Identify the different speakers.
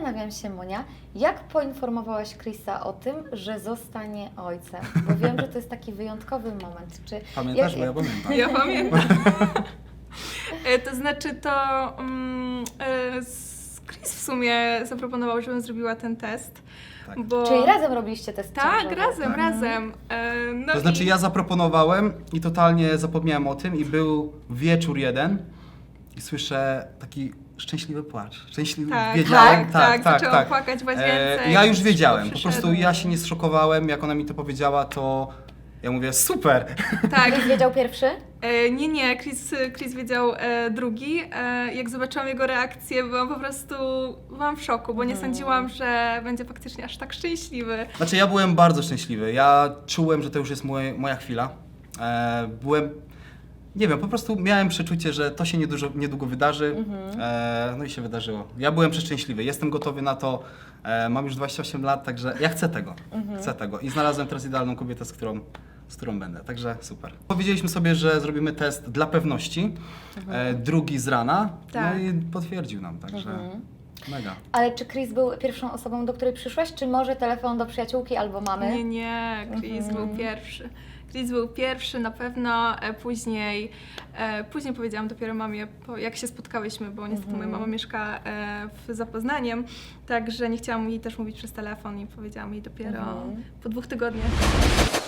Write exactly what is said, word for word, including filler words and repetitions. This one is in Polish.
Speaker 1: zastanawiam się, Monia, jak poinformowałaś Chrisa o tym, że zostanie ojcem? Bo wiem, że to jest taki wyjątkowy moment. Czy
Speaker 2: Pamiętasz,
Speaker 1: jak-
Speaker 2: bo ja pamiętam.
Speaker 3: Ja pamiętam. E, To znaczy to um, e, s- Chris w sumie zaproponował, żebym zrobiła ten test.
Speaker 2: Tak.
Speaker 3: Bo...
Speaker 1: Czyli razem robiliście test
Speaker 3: Tak,
Speaker 1: ciążowy?
Speaker 3: razem,
Speaker 2: Tak.
Speaker 3: razem. E, no
Speaker 2: To znaczy
Speaker 3: i...
Speaker 2: ja zaproponowałem i totalnie zapomniałem o tym i był wieczór jeden i słyszę taki szczęśliwy płacz. Szczęśliwy,
Speaker 3: Tak,
Speaker 2: wiedziałem,
Speaker 3: tak, tak, zaczęłam płakać w łazience,
Speaker 2: E, ja już
Speaker 3: jak
Speaker 2: wiedziałem, po
Speaker 3: przyszedł.
Speaker 2: prostu ja się nie zszokowałem, jak ona mi to powiedziała, to ja mówię super.
Speaker 3: Tak.
Speaker 1: Chris wiedział pierwszy?
Speaker 3: E, nie, nie, Chris, Chris wiedział e, drugi. E, jak zobaczyłam jego reakcję, byłam po prostu byłam w szoku, bo nie sądziłam, że będzie faktycznie aż tak szczęśliwy.
Speaker 2: Znaczy ja byłem bardzo szczęśliwy, ja czułem, że to już jest moje, moja chwila. E, byłem, nie wiem, po prostu miałem przeczucie, że to się niedużo, niedługo wydarzy, e, no i się wydarzyło. Ja byłem przeszczęśliwy, jestem gotowy na to, e, mam już dwadzieścia osiem lat, także ja chcę tego, chcę tego i znalazłem teraz idealną kobietę, z którą, z którą będę, także super. Powiedzieliśmy sobie, że zrobimy test dla pewności, e, drugi z rana,
Speaker 3: Tak.
Speaker 2: no i potwierdził nam, także mega.
Speaker 1: Ale czy Chris był pierwszą osobą, do której przyszłaś, czy może telefon do przyjaciółki albo mamy?
Speaker 3: Nie, nie, Chris był pierwszy. Chris był pierwszy na pewno, e, później, e, później powiedziałam dopiero mamie, po, jak się spotkałyśmy, bo niestety moja mama mieszka e, w Zapoznaniem, także nie chciałam jej też mówić przez telefon i powiedziałam jej dopiero po dwóch tygodniach.